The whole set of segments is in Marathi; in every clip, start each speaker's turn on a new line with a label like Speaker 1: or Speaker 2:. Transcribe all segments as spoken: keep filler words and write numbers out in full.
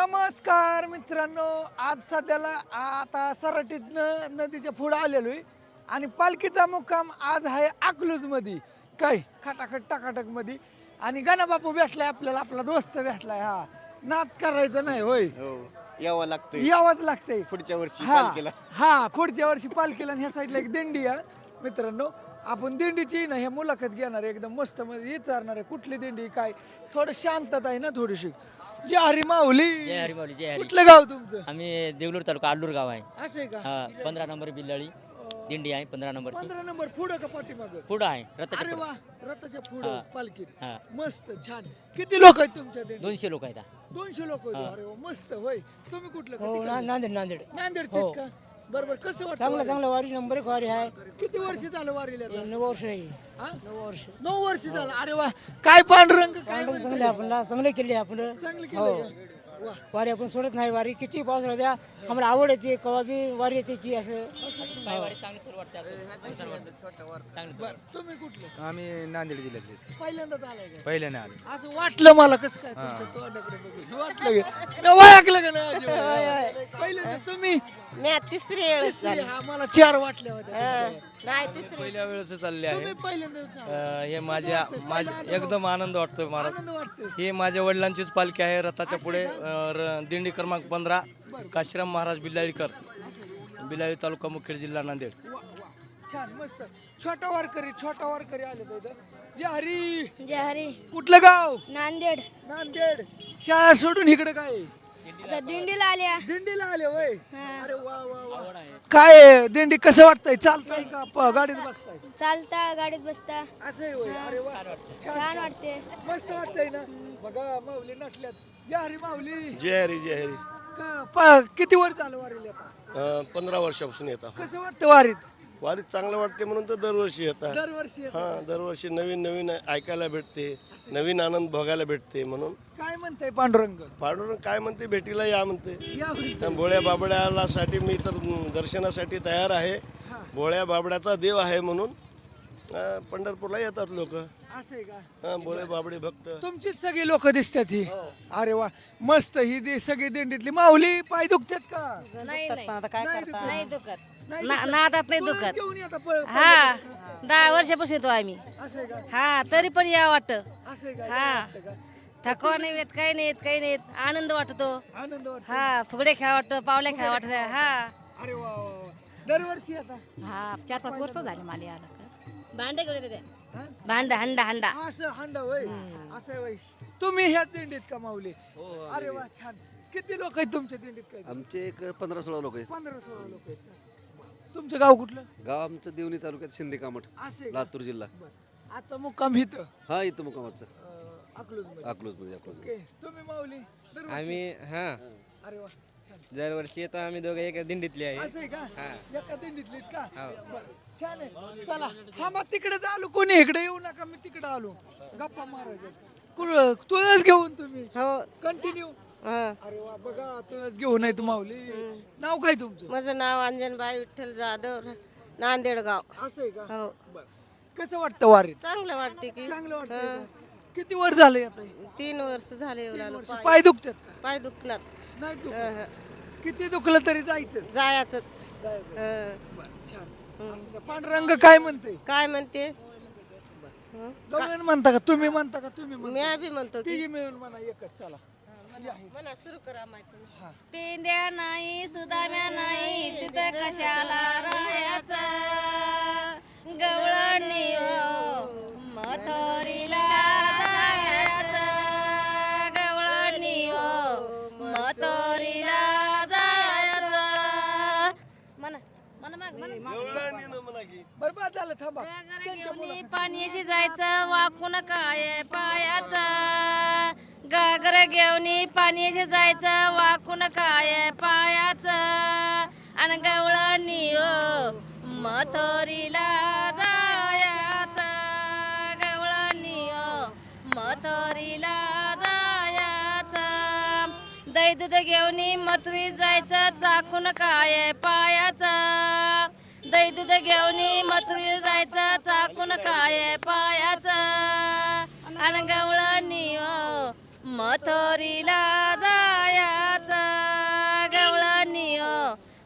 Speaker 1: नमस्कार मित्रांनो, आज सध्याला आता सराटीतनं नदीच्या पुढे आलेलो आहे आणि पालखीचा मुक्काम आज आहे अकलूज मध्ये. काय खटाखट टाकाटक मध्ये आणि गणाबापू भेटलाय आपल्याला, आपला दोस्त भेटलाय. हा नाद करायचं नाही होय,
Speaker 2: हो यावं लागतंय
Speaker 1: यावंच लागतंय
Speaker 2: पुढच्या वर्षी
Speaker 1: हा
Speaker 2: पालखीला.
Speaker 1: हा पुढच्या वर्षी पालखीला. आणि ह्या साईडला एक दिंडी आहे मित्रांनो. आपण दिंडीची ना ह्या मुलाखत घेणार आहे, एकदम मस्त मध्ये विचारणार आहे कुठली दिंडी काय. थोडं शांतता आहे ना थोडीशी. जय हरी माऊली.
Speaker 3: जय हरी माऊली. जय हरी.
Speaker 1: कुठलं गाव तुमचं?
Speaker 3: आम्ही देवलूर तालुका आलूर गाव आहे.
Speaker 1: असं आहे का?
Speaker 3: हा पंधरा नंबर बिल्लाळी दिंडी आहे. पंधरा नंबर
Speaker 1: पंधरा नंबर पुढं का पाठीमाग?
Speaker 3: पुढं आहे
Speaker 1: अरे
Speaker 3: रथाच्या
Speaker 1: वा, रथाच्या पुढं
Speaker 3: हा.
Speaker 1: पालखीत.
Speaker 3: हा.
Speaker 1: मस्त छान. किती लोक आहेत तुमच्या दिंडीत?
Speaker 3: दोनशे लोक आहेत.
Speaker 1: दोनशे लोक आहेत. अरे वा, मस्त. होय, तुम्ही कुठलं?
Speaker 4: हो
Speaker 1: किती
Speaker 4: ना-
Speaker 1: का?
Speaker 4: नांदेड नांदेड
Speaker 1: नांदेडचे आहेत का? बरोबर. कसं वाटतं
Speaker 4: चांगलं
Speaker 1: वारी?
Speaker 4: चांगलं वारी नंबर एक वारी आहे.
Speaker 1: किती वर्ष झालं वारीला आता?
Speaker 4: नऊ वर्ष आहे.
Speaker 1: हा?
Speaker 4: नऊ वर्ष
Speaker 1: नऊ वर्ष झालं. अरे वा, काय पांडुरंग काय
Speaker 4: चांगलं
Speaker 1: म्हणतोय?
Speaker 4: चांगले आपण चांगले केले आपण
Speaker 1: चांगलं
Speaker 4: हो.
Speaker 1: केलं का? वा.
Speaker 4: वारी आपण सोडत नाही. वारी किती पाऊस राहू द्या आम्हाला आवड येते कवा बी वारी येते की असं
Speaker 1: बरं, तुम्ही कुठलं?
Speaker 5: आम्ही नांदेड जिल्ह्यातले
Speaker 1: पहिल्यांदाच आलाय का?
Speaker 5: पहिल्याने आले.
Speaker 1: असं वाटलं मला कसं काय तुमच्या तोंडाकडे बघून. वाटलं का? मी ओळखलं का नाही अजिबात? पहिल्यांदा तुम्ही
Speaker 6: मी तिसरी वेळ
Speaker 1: तिसरी, हा मला चार वाटल्या होत्या.
Speaker 6: नाही तिसरी
Speaker 5: पहिल्या वेळेस चालले आहे.
Speaker 1: तुम्ही पहिल्यांदाच आला.
Speaker 5: अं, हे माझ्या माझ्या एकदम आनंद वाटतोय महाराज.
Speaker 1: आनंद वाटतोय.
Speaker 5: हे माझ्या वडिलांचीच पालखी आहे. रथाच्या पुढे अं, र- दिंडी क्रमांक पंधरा काशीराम महाराज बिल्लाळीकर, बिल्लाळी तालुका मुखेड जिल्हा नांदेड.
Speaker 1: वा, वा. छान मस्त. छोटा वारकरी छोटा वारकरी आले तर इथं. जय हरी.
Speaker 7: जय हरी.
Speaker 1: कुठलं गाव?
Speaker 7: नांदेड.
Speaker 1: नांदेड. शाळा सोडून इकडे काय
Speaker 7: आता दिंडीला आल्या.
Speaker 1: दिंडीला आले होय.
Speaker 7: हा.
Speaker 1: अरे वा वा वा. काय दिंडी कसं वाटतंय? चालताय का प- गाडीत बसताय?
Speaker 7: चालता गाडीत बसता
Speaker 1: असं आहे होय. अरे वा,
Speaker 7: छान वाटते.
Speaker 1: मस्त वाटतंय ना. बघा माऊली नटल्यात. जय हरी माऊली.
Speaker 2: जय हरी जय हरी.
Speaker 1: का- प- किती वर झालं वारीला आता?
Speaker 2: अं, पंधरा वर्षापासून येतात.
Speaker 1: कसं वाटतं वारीत?
Speaker 2: वारीत चांगलं वाटते म्हणून तर दरवर्षी येतात.
Speaker 1: दरवर्षी येतं.
Speaker 2: हा दरवर्षी नवीन नवीन ऐकायला भेटते, नवीन आनंद भोगायला भेटते. म्हणून
Speaker 1: काय म्हणताय पांडुरंग?
Speaker 2: पांडुरंग काय म्हणते, भेटीला या म्हणते.
Speaker 1: या म्हणते.
Speaker 2: त्या भोळ्या बाबड्याला साठी मी तर दर्शनासाठी तयार आहे. भोळ्या बाबड्याचा देव आहे म्हणून अं, पंढरपूरला येतात लोक.
Speaker 1: असं आहे का?
Speaker 2: भोळे बाबडे भक्त.
Speaker 1: तुमचीच सगळी लोक दिसतात ही. अरे वा, मस्त. ही दे सगळी दिंडीतली. माऊली पाय दुखतात का?
Speaker 6: नाही नाही
Speaker 4: आता काय
Speaker 1: नाही
Speaker 4: करता
Speaker 1: दुखत.
Speaker 6: नाही दुखत
Speaker 1: नाही
Speaker 6: ना-
Speaker 1: दुखत.
Speaker 6: नादात नाही
Speaker 1: तुळस
Speaker 6: दुखत.
Speaker 1: घेऊन येता प-
Speaker 6: हा दहा वर्षापासून येतो आम्ही.
Speaker 1: असं आहे का?
Speaker 6: हा तरी पण या वाटत.
Speaker 1: असं आहे का?
Speaker 6: हा.
Speaker 1: वाटतं का?
Speaker 6: थकवा नाही येत, काही नाही येत, काही नाही येत. आनंद वाटतो.
Speaker 1: आनंद वाटतो.
Speaker 6: हा फुगडे खेळा वाटतं, पावल्या खेळा वाटत. हा
Speaker 1: अरे वा वा वा. दरवर्षी आता
Speaker 4: हा चार पाच वर्ष झाले मला याला.
Speaker 6: भांडे घेऊन येते
Speaker 1: हा?
Speaker 6: भांड हंडा हंडा
Speaker 1: असं हांडा होय. असं आहे होय. तुम्ही ह्या दिंडीत का माऊली? अरे वा छान. किती लोक आहेत तुमच्या दिंडीत? काय
Speaker 8: आमचे एक पंधरा सोळा लोक आहेत.
Speaker 1: पंधरा सोळा लोक आहेत का? तुमचं गाव कुठलं?
Speaker 8: गाव आमचं देवणी तालुक्यात शिंदे कामठ,
Speaker 1: असं आहे का?
Speaker 8: लातूर जिल्हा.
Speaker 1: बरं. आजचा मुक्काम इथं
Speaker 8: हा इथं मुकामाचं
Speaker 1: अकलूजमध्ये.
Speaker 8: अकलूज मध्ये अकलूज.
Speaker 1: ओके. तुम्ही माऊली दरवर्षी?
Speaker 9: आम्ही हा
Speaker 1: अरे वा छान.
Speaker 9: दरवर्षी येतो आम्ही दोघे एका दिंडीतले आहे.
Speaker 1: असं आहे का?
Speaker 9: हा.
Speaker 1: एका दिंडीतलीत का?
Speaker 9: हो.
Speaker 1: बरं. छान आहे. चला थांबा, तिकडे आलो. कोणी इकडे येऊ नका, मी तिकडे आलो गप्पा मारायच्या. तुळस घेऊन तुम्ही
Speaker 6: हो
Speaker 1: कंटिन्यू.
Speaker 6: हा.
Speaker 1: अरे वा, बघा तुळस घेऊन आहे माऊली. नाव काय तुमचं?
Speaker 6: माझं नाव अंजनबाई विठ्ठल जाधव, नांदेड गाव.
Speaker 1: असं आहे का?
Speaker 6: हो
Speaker 1: बरं. कसं वाटतं वारीत?
Speaker 6: चांगलं वाटते की.
Speaker 1: चांगलं वाटतं. किती वर झाले आता?
Speaker 6: तीन वर्ष झाले येऊन आलो. पाय-
Speaker 1: पाय दुखतात का?
Speaker 6: पाय दुखणार.
Speaker 1: नाही दुखत. किती दुखलं तरी जायचं.
Speaker 6: जायचं.
Speaker 1: जायचं.
Speaker 6: हं.
Speaker 1: बरं, छान. असं का? पांडुरंग काय म्हणते?
Speaker 6: काय म्हणते?
Speaker 1: दोघं म्हणता का? तुम्ही म्हणता का? तुम्ही म्हणता?
Speaker 6: मी बी म्हणतो की
Speaker 1: तिघी मिळून म्हणा एकच. चला या.
Speaker 6: म्हणा सुरू करा माहिती.
Speaker 7: पेंद्या नाही सुदाम्या नाही तिथं कशाला राहायचं. गवळणी ओ मथोरीला जायचं. गवळणी ओ मथोरीला जायचं. म्हणा म्हणा माग म्हणा.
Speaker 1: बरबाद झालं. थांबा.
Speaker 7: घेऊन पाण्याशी जायचं वाकून काय पायाचं. गागर घेऊन पाण्याशी जायचं वाकून काय पायाचं. आणि गवळणी ओ मथोरीला जायचं. गवळणी ओ मथोरीला जायचं. दही दूध घेऊन मथुरी जायचं चाखून काय पायाचं. दही दूध घेऊन मथुरी जायचं चाकून काय पायाचं. आणि गवळणी ओ मथोरीला जायचं.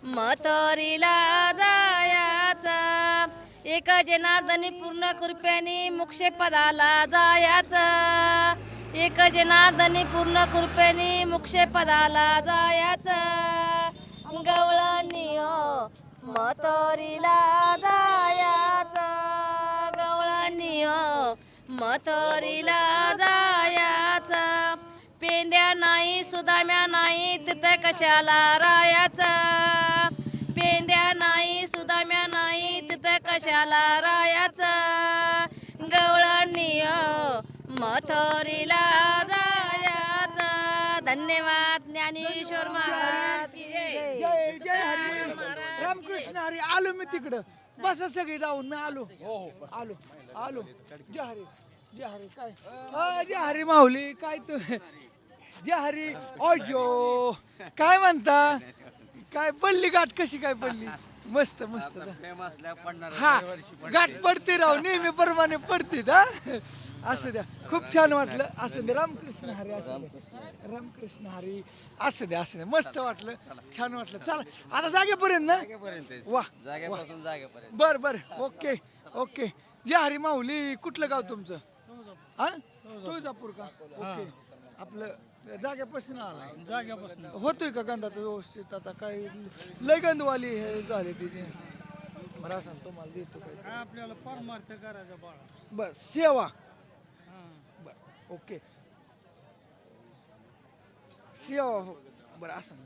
Speaker 7: मथुरीला जायाचा एक जनार्दनी पूर्ण कृपेने मोक्षे पदाला जायाचा एक जनार्दनी पूर्ण कृपेने मोक्षे पदाला जायाचा गवळणी हो मथुरीला जायाचा गवळणी हो मथुरीला जायाचा पेंद्या नाही सुदाम्या नाही तिथं कशाला रायाचा पेंद्या नाही सुदाम्या नाही तिथं कशाला रायाचा गवळणी हो मथुरीला जायाचा. धन्यवाद ज्ञानेश्वर महाराज की जय.
Speaker 1: जय जय हरी रामकृष्ण हरी. आलो मी तिकडं बस सगळी जाऊन मी आलो आलो आलो. जय हरी जय हरी. काय अ, जय हरी माऊली. काय तू जय हरी. अयो काय म्हणता. काय पडली गाठ कशी काय पडली. मस्त मस्त. हा गाठ पडते राव नेहमी प्रमाणे पडते हा. असं द्या खूप छान वाटलं. असं द्या रामकृष्ण हरी. असं द्या रामकृष्ण हरी. असं द्या असं द्या मस्त वाटलं छान वाटलं. चला आता जागेपर्यंत ना. वा
Speaker 9: जागेपासून जागेपर्यंत.
Speaker 1: बर बर ओके ओके. जय हरी माऊली. कुठलं गाव तुमचं. हा तुळजापूर का. ओके आपलं जाग्यापासून आला. जाग्यापासून होतोय का गंधाचं व्यवस्थित. आता काय लय गंधवाली हे झाले तिथे. बरं असं तुम्हाला देतो काय आपल्याला परमार्थ करायचा बाळा. बर सेवा. बर ओके सेवा. बरं असं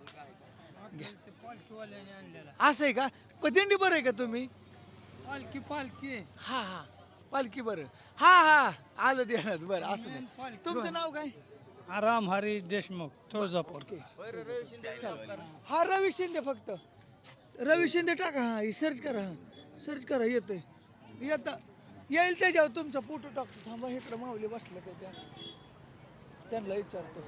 Speaker 1: असं आहे का. पण दिंडी बरं आहे का तुम्ही. पालखी पालखी हा हा पालखी बरं. हा हा आलं देण्यात. बरं असं नाही. तुमचं नाव काय.
Speaker 10: राम हरी देशमुख तुळजापूर.
Speaker 1: हा रवी शिंदे. फक्त रवी शिंदे टाका. हा सर्च करा. हा सर्च करा येतंय येतं येईल त्याच्यावर तुमचा फोटो टाकतो. थांबा इकडं माऊली बसलं त्याच्या त्यांना विचारतो.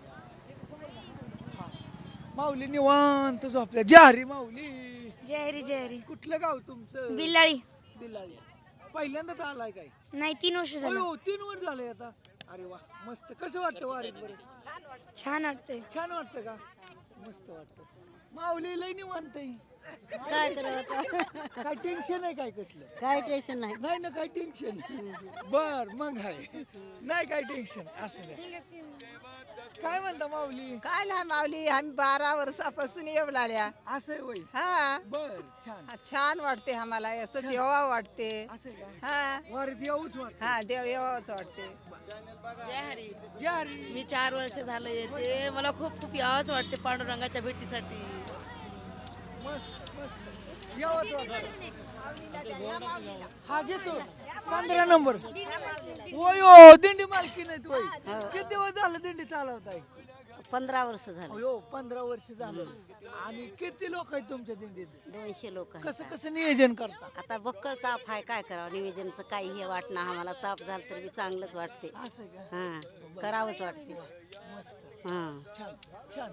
Speaker 1: हा माऊली निवांत झोपल्या. जय माऊली.
Speaker 7: जय हरी जय हरी.
Speaker 1: कुठलं गाव तुमचं.
Speaker 7: बिल्लाळी.
Speaker 1: बिलाली. पहिल्यांदाच आलाय काय.
Speaker 7: नाही तीन वर्ष झालं.
Speaker 1: अयो तीन वर झालंय आता. अरे वा मस्त. कसं वाटतं वारीत. बरं
Speaker 7: छान वाटतंय.
Speaker 1: छान वाटतं का. मस्त वाटतं. माऊली लय निवांत आहे.
Speaker 4: काय करावं
Speaker 1: काय टेन्शन आहे काय कसलं.
Speaker 4: काय टेन्शन नाही.
Speaker 1: नाही ना काय टेन्शन. बर मग आहे नाही काय टेन्शन. असं नाही. काय म्हणता माऊली.
Speaker 6: काय नाही माऊली आम्ही बारा वर्षापासून येऊ लागल्या.
Speaker 1: असं आहे वय.
Speaker 6: हा
Speaker 1: बर छान.
Speaker 6: छान वाटते आम्हाला असंच येवा वाटते.
Speaker 1: असं आहे का.
Speaker 6: हा
Speaker 1: वारीत येऊच वाटतं.
Speaker 6: हा देव येवाच वाटते.
Speaker 7: जय हरी.
Speaker 1: जय हरी.
Speaker 7: मी चार वर्ष झालं येते. मला खूप खूप यावंच वाटते पांडुरंगाच्या भेटीसाठी.
Speaker 1: मस्त मस्त यावंच वाटतं. हा घेतो पंधरा नंबर. होय हो दिंडी मालकी नाहीत वय. किती दिवस झालं दिंडी चालवताय.
Speaker 4: पंधरा वर्ष झालं.
Speaker 1: हो पंधरा वर्ष झालं. आणि किती लोक आहेत तुमच्या दिंडीत.
Speaker 4: दोनशे लोक
Speaker 1: कसं कसं नियोजन करता.
Speaker 4: आता बक्कळ ताप आहे काय करावं. निवेदनचं काही हे वाटणं आम्हाला. ताप झालं तर बी चांगलंच वाटते.
Speaker 1: असं आहे का.
Speaker 4: हा करावंच वाटते.
Speaker 1: मस्त
Speaker 4: हा
Speaker 1: छान छान.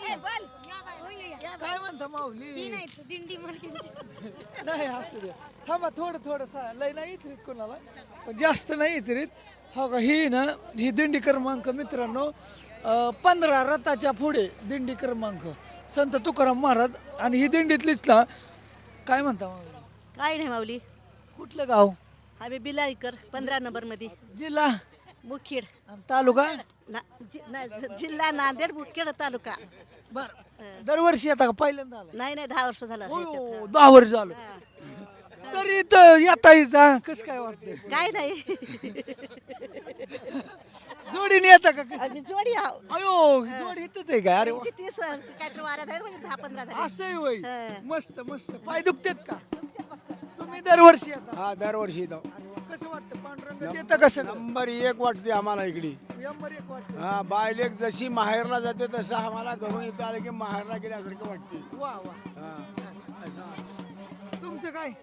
Speaker 1: काय म्हणता माऊली.
Speaker 7: दिंडी
Speaker 1: नाही असू द्या. थांबा थोडं थोडं लय नाही इचरीत कोणाला पण जास्त नाही इचरीत. हो का. ही ना ही दिंडी क्रमांक मित्रांनो अं, पंधरा रथाच्या पुढे दिंडी क्रमांक संत तुकाराम महाराज. आणि ही दिंडीतलीच ना. काय म्हणता माऊली.
Speaker 4: काय नाही माऊली.
Speaker 1: कुठलं गाव.
Speaker 4: आम्ही बिलाईकर पंधरा नंबर मध्ये.
Speaker 1: जिल्हा
Speaker 4: मुखेड.
Speaker 1: आणि तालुका.
Speaker 4: ना- जि- ना- जिल्हा नांदेड मुखेड तालुका.
Speaker 1: बर दरवर्षी येता का पहिल्यांदा आला.
Speaker 4: नाही नाही दहा वर्ष झालं ह्याच्यात.
Speaker 1: हो दहा वर्ष झालं. तरी तर येता येता कसं काय वाटतं.
Speaker 4: काय नाही.
Speaker 1: जोडीने येता का कसं?
Speaker 4: आम्ही जोडी आहो.
Speaker 1: अयो जोडी इथंच आहे का. अरे वा.
Speaker 4: किती तीस काहीतरी वाऱ्या झाल्या म्हणजे दहा पंधरा झाले.
Speaker 1: असं आहे होय.
Speaker 4: हा.
Speaker 1: मस्त मस्त. पाय दुखतेत का. तुम्ही दरवर्षी येता.
Speaker 11: हा दरवर्षी येतो.
Speaker 1: अरे वा. कसं वाटतं पांडुरंग येतं कसं.
Speaker 11: नंबर एक वाटते आम्हाला इकडे.
Speaker 1: नंबर एक वाटतं.
Speaker 11: हा बायलेक जशी माहेरला जाते तसं आम्हाला घरून इथं आलं की माहेरला गेल्यासारखं वाटते.
Speaker 1: वा वा.
Speaker 11: हा असं.
Speaker 1: तुमचं काय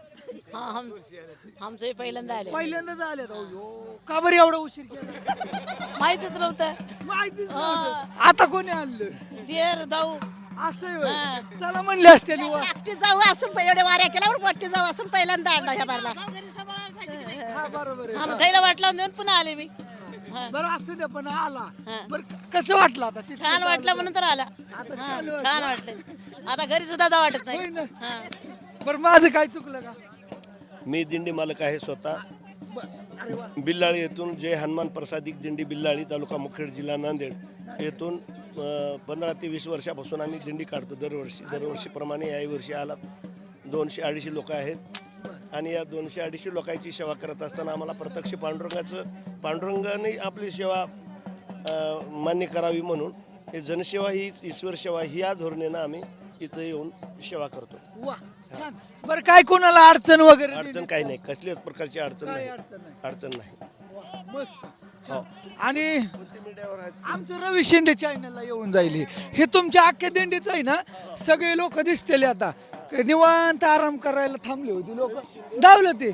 Speaker 4: आमचं पहिल्यांदा आले.
Speaker 1: पहिल्यांदाच आले. अयो का बरं एवढा उशीर केला.
Speaker 4: माहितच नव्हतं.
Speaker 1: माहितीच नव्हतं. आता कोणी आणलं.
Speaker 4: देर जाऊ
Speaker 1: असं आहे होय. चला म्हणले असते वा.
Speaker 4: एकटी जाऊ असून एवढे वाऱ्या केल्यावर मोठी जाऊ असून पहिल्यांदा आणला ह्या बारला.
Speaker 1: हा बरोबर आहे.
Speaker 4: आम्ही थैला वाटला देऊन पुन्हा आले मी.
Speaker 1: बरं असू द्या पण आला बरं कसं वाटलं आता तिथलं
Speaker 4: छान वाटलं
Speaker 1: तालुक्यात?
Speaker 4: म्हणून तर आला
Speaker 1: आता
Speaker 4: हा,
Speaker 1: छान वाटलं.
Speaker 4: छान वाटलं आता घरी सुद्धा जा वाटत
Speaker 1: होय
Speaker 4: नाही
Speaker 1: ना?
Speaker 4: हा.
Speaker 1: बरं माझं काय चुकलं का
Speaker 2: मी दिंडी मालक आहे स्वतः
Speaker 1: बरं. अरे वा
Speaker 2: बिल्लाळी येथून जय हनुमान प्रसादिक दिंडी बिल्लाळी तालुका मुखेड जिल्हा नांदेड येथून पंधरा ते वीस वर्षापासून आम्ही दिंडी काढतो दरवर्षी दरवर्षीप्रमाणे याही वर्षी आला दोनशे अडीचशे लोक आहेत आणि या दोनशे अडीचशे लोकांची सेवा करत असताना आम्हाला प्रत्यक्ष पांडुरंगाचं पांडुरंगाने आपली सेवा अ, मान्य करावी म्हणून हे जनसेवा ही ईश्वर सेवा ही या धोरणेनं आम्ही इथं येऊन सेवा करतो.
Speaker 1: वा छान बरं काय कोणाला अडचण वगैरे
Speaker 2: अडचण काही नाही कसल्याच प्रकारची अडचण
Speaker 1: काय
Speaker 2: नाही
Speaker 1: अडचण नाही
Speaker 2: अडचण नाही.
Speaker 1: वा, मस्त छान. आणि
Speaker 2: मीडियावर आहेत
Speaker 1: आमचं रवी शिंदे चॅनलला येऊन जाईल हे. हे तुमच्या अख्ख्या दिंडीच आहे ना सगळे लोक दिसतेले आता क- निवांत आराम करायला थांबले होते लोक धावलं ते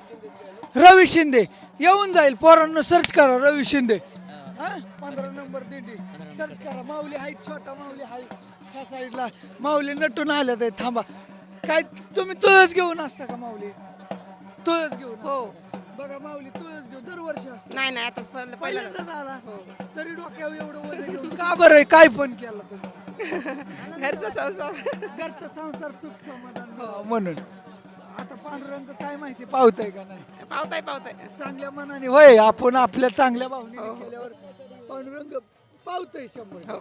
Speaker 1: रवी शिंदे येऊन जाईल पोरांना सर्च करा रवी शिंदे हा पंधरा नंबर दिंडी सर्च करा माऊली हाय छोटा माऊली हाय त्या साईडला माऊली नटून आल्या ते थांबा काय तुम्ही तुळस घेऊन असता का माऊली तुळस घेऊन हो बघा माऊली तुळस घेऊन दरवर्षी असते
Speaker 6: नाही नाही आताच
Speaker 1: पहिल्यांदाच आला तरी डोक्यावर एवढं वजन घेऊन का बरं आहे? काय पण केलं तुम्ही
Speaker 6: घरचा संसार
Speaker 1: घरचा संसार सुख समाधान व्हावं म्हणून आता पांडुरंग काय माहिती पावताय का नाही
Speaker 6: पावताय पावताय
Speaker 1: चांगल्या मनाने होय आपण आपल्या चांगल्या भावनेने केल्यावर पांडुरंग पावतय शंभर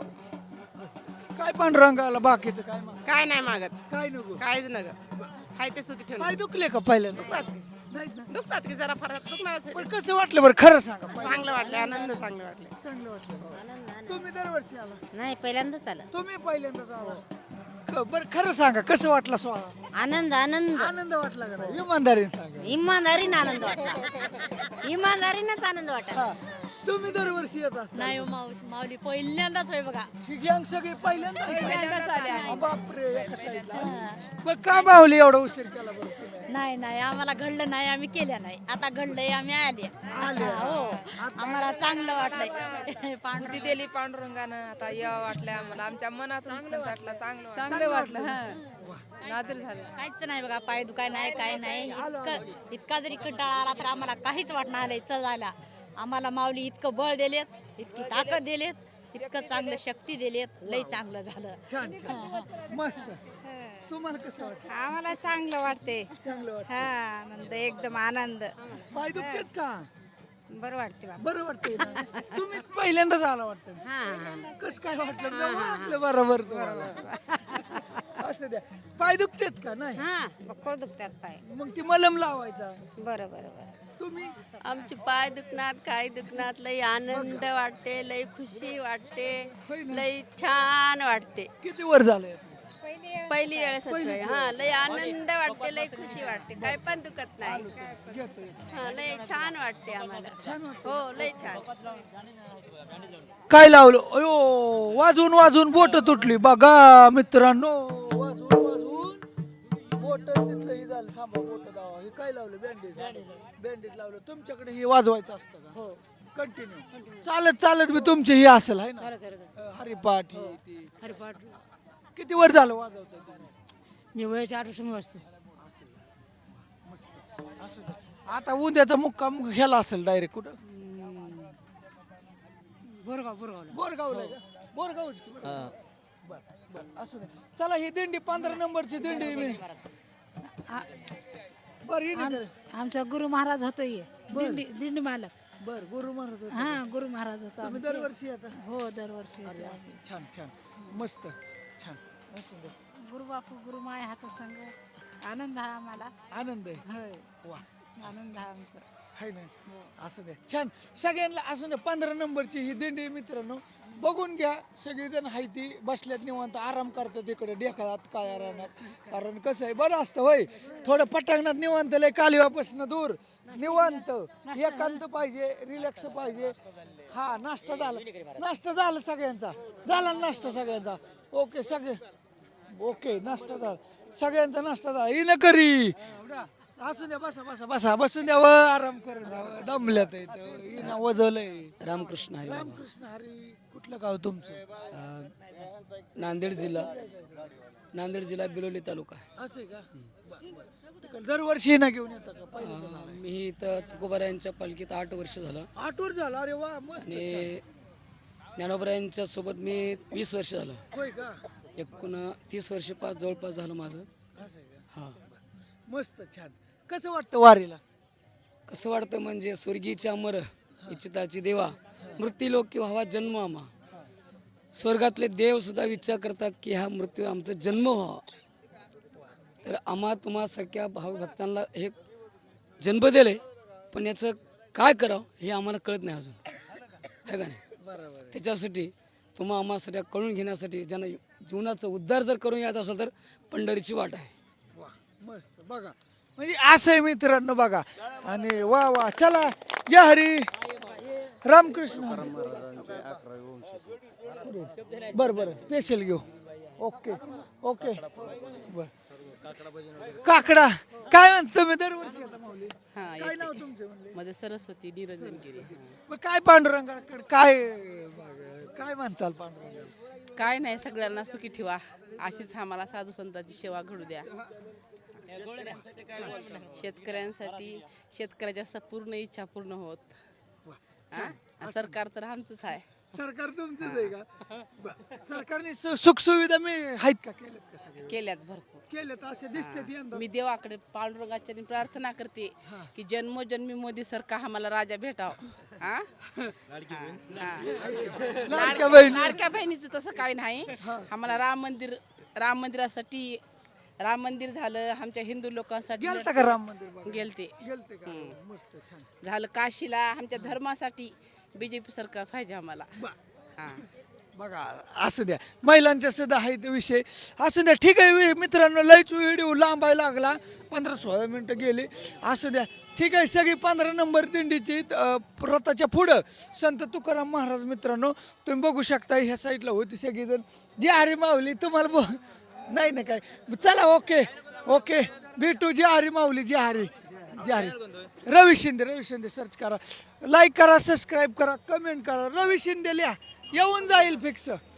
Speaker 1: असं. काय पांडुरंगाला बाकीचं काय माग
Speaker 6: काय नाही मागत
Speaker 1: काय नको
Speaker 6: काहीच नग हाय ते सुखी ठेवून
Speaker 1: काय दुखले का पहिल्यांदा
Speaker 6: दुखतात
Speaker 1: नाही ना
Speaker 6: दुखतात की जरा फरक दुखणारच आहे.
Speaker 1: पण कसं वाटलं बरं खरं सांगा पहिलं.
Speaker 6: चांगलं वाटलं आनंद चांगलं वाटलं
Speaker 1: चांगलं वाटलं तुम्ही दरवर्षी आला
Speaker 7: नाही पहिल्यांदाच आला
Speaker 1: तुम्ही पहिल्यांदाच आला क- बरं खरं सांगा कसं वाटलं सोहळा
Speaker 7: आनंद आनंद
Speaker 1: आनंद वाटला का नाही इमानदारीने सांगा
Speaker 7: इमानदारीनं आनंद वाटला इमानदारीनंच आनंद वाटला
Speaker 1: हा. तुम्ही दरवर्षी येत असता
Speaker 7: नाही हो मावशी माऊली पहिल्यांदाच होय बघा
Speaker 1: ही गँग सगळी पहिल्यांदा
Speaker 7: पहिल्यांदाच आले आहे.
Speaker 1: बापरे एका साईडला. मग का माऊली एवढा उशीर केला बरं तुम्ही?
Speaker 7: नाही नाही आम्हाला घडलं नाही आम्ही केल्या नाही आता घडलंय आम्ही आले हो आम्हाला चांगलं वाटलंय
Speaker 6: बुद्धी दिली पांडुरंगानं आता यावं वाटलं आम्हाला आमच्या मनातून वाटलं चांगलं चांगलं वाटलं हा नादर झालं
Speaker 7: काहीच नाही बघा पाय दुखाय नाही काय नाही इतकं इतका जरी कंटाळा आला तर आम्हाला काहीच वाटणार नाही चल आला आम्हाला माऊली इतकं बळ दिलेत इतकी ताकद दिलेत इतकं चांगलं शक्ती दिलेत लई चांगलं झालं
Speaker 1: छान छान मस्त तुम्हाला कसं वाटतं
Speaker 6: आम्हाला चांगलं वाटते
Speaker 1: चांगलं वाटतं
Speaker 6: हा आनंद एकदम आनंद
Speaker 1: पाय दुखतात का
Speaker 6: बरं वाटते
Speaker 1: बरं वाटतंय ना तुम्ही पहिल्यांदाच आला वाटतं कसं काय वाटलं मी ओळखलं बरोबर तुम्हाला. असं द्या पाय दुखतात का नाही
Speaker 6: हा बक्कळ दुखतात पाय
Speaker 1: मग ती मलम लावायचा
Speaker 6: बरं बरं बरं
Speaker 1: तुम्ही
Speaker 6: आमचे पाय दुखणार काय दुखणार लई आनंद वाटते लई खुशी वाटते
Speaker 1: होय ना?
Speaker 6: लई छान वाटते
Speaker 1: किती वर झालंय
Speaker 6: पहिली वेळेस हा लई आनंद वाटते लई खुशी वाटते काय पण दुखत नाही
Speaker 1: घेतोय
Speaker 6: हा लई छान वाटते आम्हाला
Speaker 1: छान वाटतं
Speaker 6: हो लई छान
Speaker 1: काय लावलं अयो वाजून वाजून बोट तुटली बघा मित्रांनो वाजून वाजून बोट तिथलं हे झालं थांबा बोट दावा हे काय लावलं बँडेज बँडेज लावलं तुमच्याकडे हे वाजवायचं असतं का हो कंटिन्यू चालत चालत मी तुमचे हे असेल आहे ना अं, हरिपाठ हे ते
Speaker 4: हरिपाठ
Speaker 1: किती वर झालं वाजवतंय तुम्ही
Speaker 4: मी वयाच्या आठ वर्ष वाजते
Speaker 1: असं का? आता उद्याचा मुक्काम ह्याला असेल डायरेक्ट कुठं
Speaker 4: बोरगाव बोरगावला
Speaker 1: बोरगावला आहे का? बोरगावच की बरं. बरं बरं असू दे चला ही दिंडी पंधरा नंबरची दिंडी मी बरं ही नाही
Speaker 4: आमचा गुरु महाराज होतो ये दिंडी दिंडी मालक
Speaker 1: बर गुरु महाराज होते.
Speaker 4: हा गुरु महाराज होता
Speaker 1: तुम्ही दरवर्षी येता
Speaker 4: हो दरवर्षी
Speaker 1: अरे वा, छान छान मस्त छान असू दे.
Speaker 4: गुरु बापू गुरु माय हात संग आनंद आहे आम्हाला
Speaker 1: आनंद आहे
Speaker 4: होय
Speaker 1: वा
Speaker 4: आनंद आहे आमचा
Speaker 1: हाय ना असू दे छान सगळ्यांना असू दे पंधरा नंबरची ही दिंडी मित्रांनो बघून घ्या सगळीजण हाय ती बसल्यात निवांत आराम करतात इकडे डेखात काय राहण्यात कारण कसं आहे बरं असतं होय थोडं पटांगणात निवांत लय कालिवापासून दूर निवांत एकांत पाहिजे रिलॅक्स पाहिजे हा नाश्ता झाला नाश्ता झाला सगळ्यांचा झाला नाश्ता सगळ्यांचा ओके सगळे ओके नाश्ता झाला सगळ्यांचा नाश्ता झाला ही न करी असू द्या बसा बसा बसा बसून द्या व आराम करून द्या व. दमल्यात इथं वजवलंय
Speaker 5: रामकृष्ण हरी
Speaker 1: रामकृष्ण हरी कुठलं गाव तुमचं
Speaker 5: नांदेड जिल्हा
Speaker 4: नांदेड जिल्हा बिलोली तालुका
Speaker 1: असं आहे का बरं, बरं. दरवर्षी ना घेऊन येतात का पहिल्यांदा आलाय?
Speaker 4: मी इथं तुकोबारायांच्या पालखीत आठ वर्ष झालं
Speaker 1: आठ वर झालं अरे वा मस्त
Speaker 4: आणि ज्ञानोबरायांच्या सोबत मी वीस वर्ष झालं.
Speaker 1: होय का
Speaker 4: एकूण तीस वर्ष पाच जवळपास झालं माझं.
Speaker 1: असं आहे का
Speaker 4: हां
Speaker 1: मस्त छान कसं वाटतं वारीला
Speaker 4: कसं वाटतं म्हणजे स्वर्गीचे अमर इच्छिताची देवा मृत्यूलोकी व्हावा जन्म आम्हा. स्वर्गातले देव सुद्धा विचार करतात की हा मृत्यू आमचा जन्म व्हावा. तर आम्हा तुम्हासारख्या भाव भक्तांना हे जन्म दिले पण याचं काय करावं हे आम्हाला कळत नाही अजून है का नाही. त्याच्यासाठी तुम्हा आम्हाला कळून घेण्यासाठी ज्यांना जीवनाचा उद्धार जर करून यायचा असेल तर पंढरीची वाट आहे.
Speaker 1: वा मस्त बघा म्हणजे असं आहे मित्रांनो बघा आणि वा वा चला जय हरी रामकृष्ण बर बर स्पेशल घेऊ ओके ओके बर काकडा काय म्हणतो तुम्ही दरवर्षी येता माऊली? काय नाव तुमचं म्हणले
Speaker 6: माझं सरस्वती निरंजन गिरी.
Speaker 1: मग काय पांडुरंगाकडे काय काय म्हणताल पांडुरंगा
Speaker 6: काय नाही सगळ्यांना सुखी ठेवा अशीच आम्हाला साधू संतांची सेवा घडू द्या. शेतकऱ्यांसाठी शेतकऱ्याच्या स- पूर्ण इच्छा पूर्ण होत. हा? सरकार तर आमचंच आहे.
Speaker 1: सरकार तुमचंच आहे का बरं. सरकारने सुख सुविधा मी आहेत का केल्यात का सगळ्या?
Speaker 6: केल्यात भरपूर.
Speaker 1: केल्यात असे दिसते यंदा
Speaker 6: मी देवाकडे पांडुरंगाच्या प्रार्थना करते की जन्मोजन्मी मोदी सरकार आम्हाला राजा भेटाव. हा? हा.
Speaker 1: लाडक्या बहिणी.
Speaker 6: लाडक्या बहिणीचं तसं काही नाही. आम्हाला राम मंदिर राम मंदिरासाठी राम मंदिर झालं आमच्या हिंदू लोकांसाठी
Speaker 1: गेलता का राम मंदिर बघायला?
Speaker 6: गेलते
Speaker 1: गेलते का मस्त छान
Speaker 6: झालं. काशीला आमच्या धर्मासाठी बीजेपी सरकार पाहिजे आम्हाला. हा.
Speaker 1: बघा असू द्या महिलांच्या सुद्धा आहे ते विषय असू द्या ठीक आहे वे- मित्रांनो लयच व्हिडिओ लांबायला लागला पंधरा सोळा मिनटं गेले असू द्या ठीक आहे. सगळी पंधरा नंबर दिंडीची अं, रथाच्या पुढं संत तुकाराम महाराज मित्रांनो तुम्ही बघू शकता ह्या साईडला होती सगळीजण जी हरी माऊली तुम्हाला ब नाही ना काय चला ओके ओके भेटू जी हरी माऊली जी हरी जी हरी रवी शिंदे रवी शिंदे सर्च करा लाईक करा सबस्क्राईब करा कमेंट करा रवी शिंदे लिहा येऊन जाईल फिक्स.